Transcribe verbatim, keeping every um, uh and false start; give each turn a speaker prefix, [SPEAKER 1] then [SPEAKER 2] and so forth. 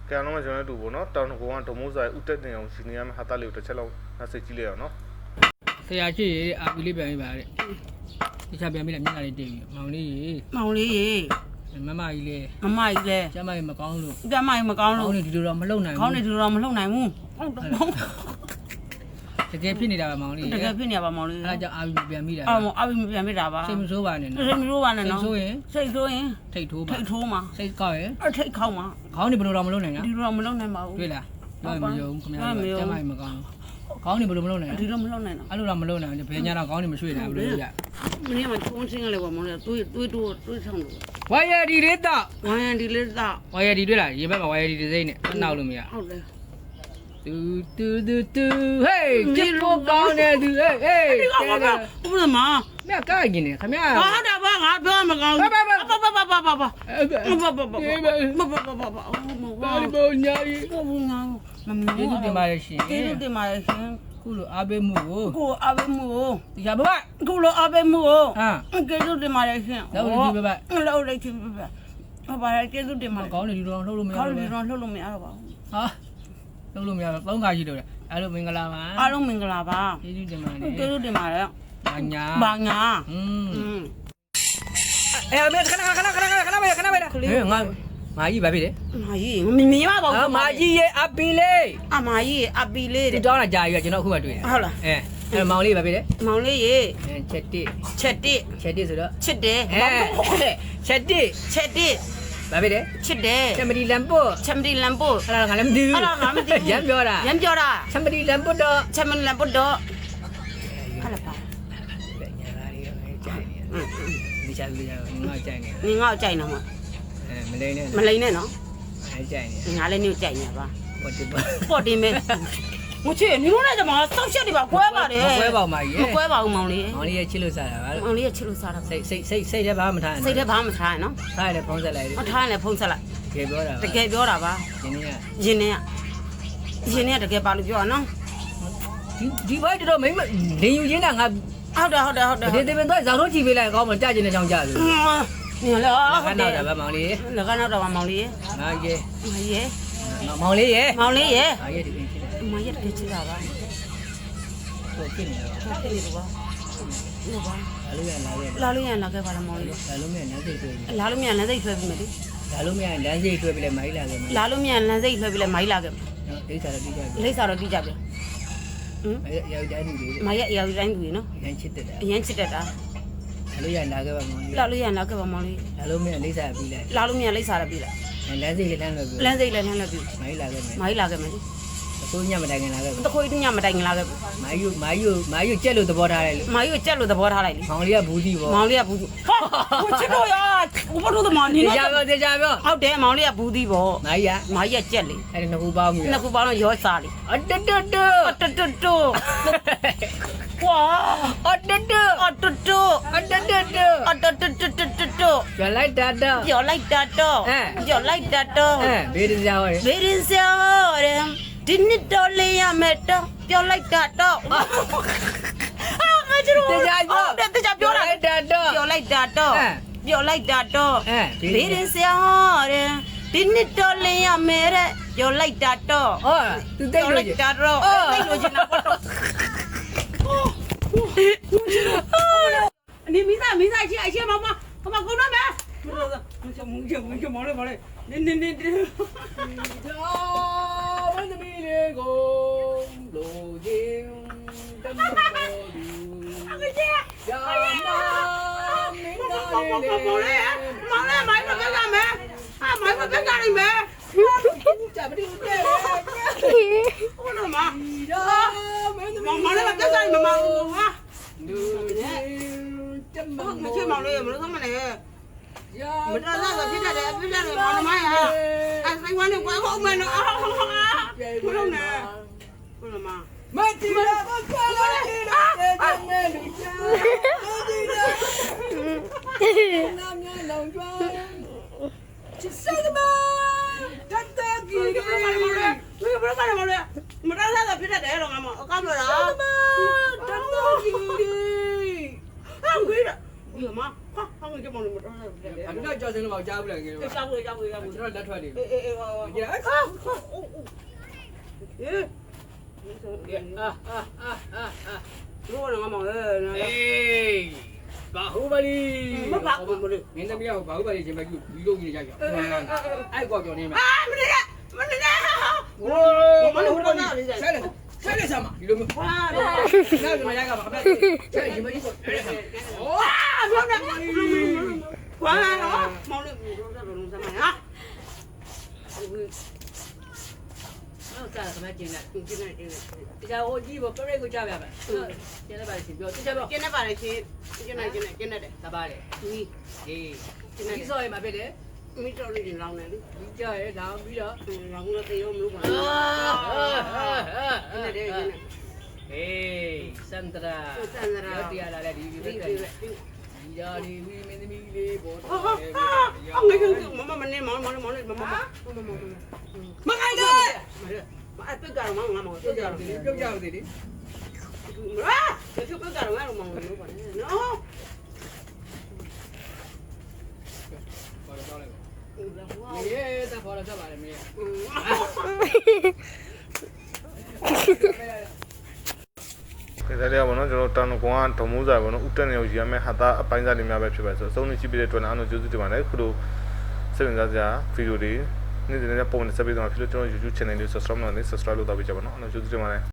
[SPEAKER 1] ကံလုံးကကျွန်တော်တို့ပေါ့နော်တောင်ကောင်ကဒုံမိုးဆိုင်ဥတက်တင်အောင်ရှင်နေရမှာဟာတာလေးကိုတစ်ချက်လောက်နှက်စိတ်ကြည့်လိုက်အောင်နော်ဆရာရှိရေအာပီလေးပြန်ပြီးပါတဲ့ဒီချက်ပြန်ပြီးလည်းမျက်နှာလေးတင်ပြီးမောင်လေးရေမောင်လေးရေမမကြီးလေမမကြီးလေကျမကြီးမကောင်းလို့ကျမကြီးမကောင်းလို့ခေါင်းနေဒီလိုတော့မလှုပ်နိုင်ဘူးခေါင်းနေဒီလိုတော့မလှုပ်နိုင်ဘူးတကယ်ဖြစ်နေတာပါမောင်လေးတကယ်ဖြစ်နေပါမောင်လေးအဲဒါကြောင့်အာပီပြန်ပြီးတာအော်အာပီပြန်ပြီးတာပါစိတ်မဆိုးပါနဲ့နော်စိတ်မဆိုးပါနဲ့နော်စိတ်ဆိုးရင်စိတ်ဆိုးရင်ထိတ်ထိုးပါထိတ်ထိုးမှာစိတ်ကောက်ရင်အထိတ်ခေါက်မှာခေါင်းနေဘယ်လိုတော့မလှုပ်နိုင်နော်ဒီလိုတော့မလှုပ်နိုင်ပါဘူးတွေ့လားပြောမယုံခင်ဗျားကျမကြီးမကောင်းခေါင်းနေဘယ်လိုမလုပ်နိုင်လဲဒီလိုမလုပ်နိုင်တော့အဲ့လိုတော့မလုပ်နိုင်ဘူးဘယ်ညာတော့ခေါင်းနေမရွှေ့နိုင်ဘူးလို့ရမင်းကမှချုံးချင်းကလေးပေါ့မောင်လေးတွေးတွေးတိုးတွေးဆောင်လို့ဝါယာဒီလေးတော့ဝါယာဒီလေးတော့ဝါယာဒီတွေ့လားရေဘက်မှာဝါယာဒီဒီစိမ့်နဲ့မနှောက်လို့မရဟုတ်တယ်တူတူတူတူဟေးကြည့်လို့ကောင်းတယ်သူဟေးဟေးဒီကောင်ကဘုရားမမြတ်ကိုက်နေခင်ဗျာဟုတ်တယ်ဗျငါပြောမကောင်းဘူးဘာဘာဘာဘာဘာဘာဘာဘာဘာဘာဘာဘာဘာဘာဘာဘာညာရီဘာညာမမကျေးဇူးတင်ပါတယ်ရှင်ကျေးဇူးတင်ပါတယ်ရှင်ခုလိုအားပေးမှုကိုခုအားပေးမှုကိုဒီကဘဘခုလိုအားပေးမှုကိုဟာကျေးဇူးတင်ပါတယ်ရှင်လောက်လိုက်ဘဘလောက်လိုက်ချင်ဘဘဘာပါကျေးဇူးတင်ပါတယ်ကောင်းတယ်ဒီလိုတော့လှုပ်လို့မရဘူးကောင်းတယ်ဒီလိုတော့လှုပ်လို့မရတော့ပါဘူးဟာလှုပ်လို့မရတော့သုံးခါရှိတော့တယ်အားလုံးမင်္ဂလာပါအားလုံးမင်္ဂလာပါကျေးဇူးတင်ပါတယ်ကျေးဇူးတင်ပါတယ်ဘာညာဘာညာอืมအဲအမေခဏခဏခဏခဏခဏခဏပဲခဏပဲဟဲ့ငါမာကြီးဘာဖြစ်လဲမာကြီးမမြင်ပါဘူးဟာမာကြီးရဲ့အပီလေးအမာကြီးရဲ့အပီလေးတဲ့တောင်းတာကြာပြီကျွန်တော်အခုမှတွေ့တယ်ဟုတ်လားအဲအဲမောင်လေးဘာဖြစ်လဲမောင်လေးရေချက်တစ်ချက်တစ်ချက်တစ်ဆိုတော့ချစ်တယ်အဲချက်တစ်ချက်တစ်ဘာဖြစ်လဲချစ်တယ်ချမဒီလမ်ပိုချမဒီလမ်ပိုအဲ့ဒါငါလည်းမသိဘူးအဲ့ဒါငါမသိဘူးရမ်းပြောတာရမ်းပြောတာချမဒီလမ်ပိုတော့ချမဒီလမ်ပိုတော့ဟာလာပါညာလာရီရောကြိုက်နေဒီချာဒီချာငါကြိုက်နေငါကြိုက်နေမှာအဲမလိမ့်နဲ့မလိမ့်နဲ့နော်အဲကြိုက်နေငါလည်းနေကြိုက်နေပါပေါ်တင်ပါပေါ်တင်မဲမချေနေလို့လည်းကျွန်မစောက်ချက်တွေပါကွဲပါတယ်ကွဲပါဦးမကြီးကွဲပါဦးမောင်လေးမောင်လေးရဲ့ချစ်လို့စားတာပါမောင်လေးရဲ့ချစ်လို့စားတာစိတ်စိတ်စိတ်စိတ်ထဲဘာမှမထားစိတ်ထဲဘာမှမထားနော်ထားရလေဖုံးဆက်လိုက်တယ်ထားရလေဖုံးဆက်လိုက်တကယ်ပြောတာတကယ်ပြောတာပါရင်းနေရရင်းနေရရင်းနေရတကယ်ပါလို့ပြောတာနော်ဒီဒီဘိုက်တော့မင်းလင်းယူရင်းတာငါဟုတ်တယ်ဟုတ်တယ်ဟုတ်တယ်ဒီတင်တော့ဇောင်းတို့ချီပေးလိုက်ကောင်းမကြကျင်တဲ့ချောင်းကြလို့နေလေဟုတ်တယ်ဗမောင်လေးလကနောက်တော့မောင်လေးငါရေငါရေမောင်လေးရေမောင်လေးရေငါရေဒီပြင်ချစ်တယ်မောင်ရေတကယ်ချစ်တာပါဟုတ်ကဲ့နေတော့ဟုတ်ကဲ့နေတော့ဟုတ်ပါလာလို့ရလာခဲ့လာလို့ရလာခဲ့ပါလားမောင်လေးလာလို့မရလမ်းစိတ်ဆွဲပြီလာလို့မရလမ်းစိတ်ဆွဲပြီမလေးလာလို့မရလမ်းစိတ်ဆွဲပြီလဲမိုင်းလာခဲ့လာလို့မရလမ်းစိတ်ဆွဲပြီလဲမိုင်းလာခဲ့လိမ့်စာတော့ပြီးကြပြီလိမ့်စာတော့ပြီးကြပြီဟမ်မရရောက်တိုင်းလူတွေမရရောက်တိုင်းလူတွေနော်အရင်ချစ်တတ်တာအရင်ချစ်တတ်တာလာလို့ရလာခဲ့ပါမောင်လေးလာလို့ရလာခဲ့ပါမောင်လေးလာလို့မရလိမ့်စာပြီးလိုက်လာလို့မရလိမ့်စာတော့ပြီးလိုက်လမ်းစိတ်လည်းလမ်းလွယ်ပြီလမ်းစိတ်လည်းလမ်းလွယ်ပြီမိုင်းလာခဲ့မယ်မိုင်းလာခဲ့မယ်လေအခုညမတိုင်ခင်လာခဲ့တခွေးညမတိုင်ခင်လာခဲ့မိုင်းယူမိုင်းယူမိုင်းယူကြက်လို့သဘောထားလိုက်လို့မိုင်းယူကြက်လို့သဘောထားလိုက်လေမောင်လေးကဘူးတီပေါ့မောင်လေးကဘူးတီဟာကိုချစ်တော့ရဘလို့တော့မနေတော့ကြာပြောကြာပြောဟုတ်တယ်မောင်လေးကဘူးတီပေါ့မိုင်းရမိုင်းရကြက်လေအဲ့ဒီနှစ်ခုပေါင်းပြီနှစ်ခုပေါင်းတော့ရောစားလေအတတတအတတတဝါအတတအတတအတတတအတတတတတပြောလိုက်တာတော့ပြောလိုက်တာတော့ပြောလိုက်တာတော့ဘေးရင်စရာဟောဘေးရင်စရာဟောတယ်ဒီနှစ်တော့လေးရမယ်တော့ပြောလိုက်တာတော့အာငါတို့တရားပြောတရားပြောလိုက်တာတော့ပြောလိုက်တာတော့ပြောလိုက်တာတော့ဘေးရင်စရာဟောတယ်ဒီနှစ်တော့လေးရမယ်တဲ့ပြောလိုက်တာတော့ဟောသူတိတ်လို့တာတော့တိတ်လို့ချင်တာပေါ့你没在没在去，哎，去妈妈，妈妈，给我拿麦。不是，不是，不是，不是，忙嘞忙嘞，你你你你。家湾的米列公路径登高路。阿哥姐，呀妈，明大嘞。忙嘞，忙嘞，买不干啥没？啊，买不干啥哩没？咋不的对？我那嘛，忙忙嘞，干啥哩没忙啊？မချစ်မောင်လေးမလို့သမနဲ့မတော်တော့ဖြစ်တတ်တယ်ဖြစ်တတ်တယ်မောင်မရအဲဆိုင်ဝမ်းနဲ့ကွဲဖို့မယ်နော်ဘုလုံးနဲ့ဘုလုံးမမတီလာဘာကလာနေတယ်တဲ့လူချာနာမည်လောင်ကျွမ်းချစ်စမ်းမတတ်တကြီးဘယ်လိုလဲဘယ်လိုလဲမောင်လေးမတော်တော့ဖြစ်တတ်တယ်တော့ငါမအကောင်းလို့လားတတ်တကြီးဟာခွေးရဒီမှာဟာဟာငါကမောင်လေးမတော်တော့ဖြစ်တယ်အဲ့ဒါကြောင့်စင်းလို့ကြားဘူးလားငယ်တော့ကြားဘူးကြားဘူးကြားဘူးကျွန်တော်လက်ထွက်နေပြီအေးအေးဟောကြည့်ဟာအေးအာအာအာအာတို့ကငါမောင်အေးဘာဟုတ်ပါလိမဘာဘူးမလို့မင်းသမီးကဘာဟုတ်ပါလိရှင်မကြီးဒီလိုကြီးရရအဲ့ကောကြော်နေမှာအာမနေကမနေကဟိုမလို့ဘာနာလေးဆိုင်ဆဲလေဆာမဒီလိုမျိုးဟာနားမရကပါခက်ဆဲရှင်မကြီးကိုအဲ့ဒါโอ้ဘာနာကွာမောင်လေးတို့တော့လုံးစမ်းမဟာဟုတ်ကဲ့ခမကျင်းလိုက်ကျင်းလိုက်ကျင်းလိုက်ဒီကဟိုကြီးဘောပရိတ်ကိုကြားပြပါကျင်းလိုက်ပါရှင်ပြောကျင်းလိုက်ပါကျင်းလိုက်ပါလေရှင်ကျင်းလိုက်ကျင်းလိုက်ကျင်းလိုက်တယ်တပါတယ်ဒီအေးကျင်းလိုက်ဒီစောရမှာဖြစ်တယ်မိတော်လေးလောင်းနေလေဒီကြရဲလောင်းပြီးတော့လောင်းလို့တေရောမလို့ပါအာအဲ့ဒါလေးကျင်းလိုက်အေးစန္ဒရာစန္ဒရာရောက်တရားလာလေဒီဒီဒီရာလီဝီမင်းသမီးလေးပေါ်တော့တယ်အော်ငါကမမမနေမောင်မောင်မောင်မမမမမခိုင်တယ်မအပိတ်ကတော့မောင်ငါမောင်ပြုတ်ကြတယ်ပြုတ်ကြတယ်လေဟာဒီပြုတ်ကတော့ငါမောင်လို့ပါနော်ဘာလို့လဲမင်းတဖော်လာကြပါလေမင်း
[SPEAKER 2] ကဲဒါလေးကဘောနော်ကျွန်တော်တန်ကောင်ကဒုံမိုးစာဘောနော်ဥတက်နေကိုရမယ်ဟာတာအပိုင်းစားတွေများပဲဖြစ်ပါဆိုအဆုံးနေရှိပြီးတဲ့အတွက်အားလုံးကျေးဇူးတင်ပါတယ်ခုလိုစိတ်ဝင်စားစရာဗီဒီယိုတွေနေ့စဉ်နဲ့ပုံနဲ့ဆက်ပြီးတော့ဖြစ်လို့ကျွန်တော် YouTube channel လေး subscribe လုပ်နေ subscribe လုပ်တော့ပြကြပါနော်အားလုံးကျေးဇူးတင်ပါတယ်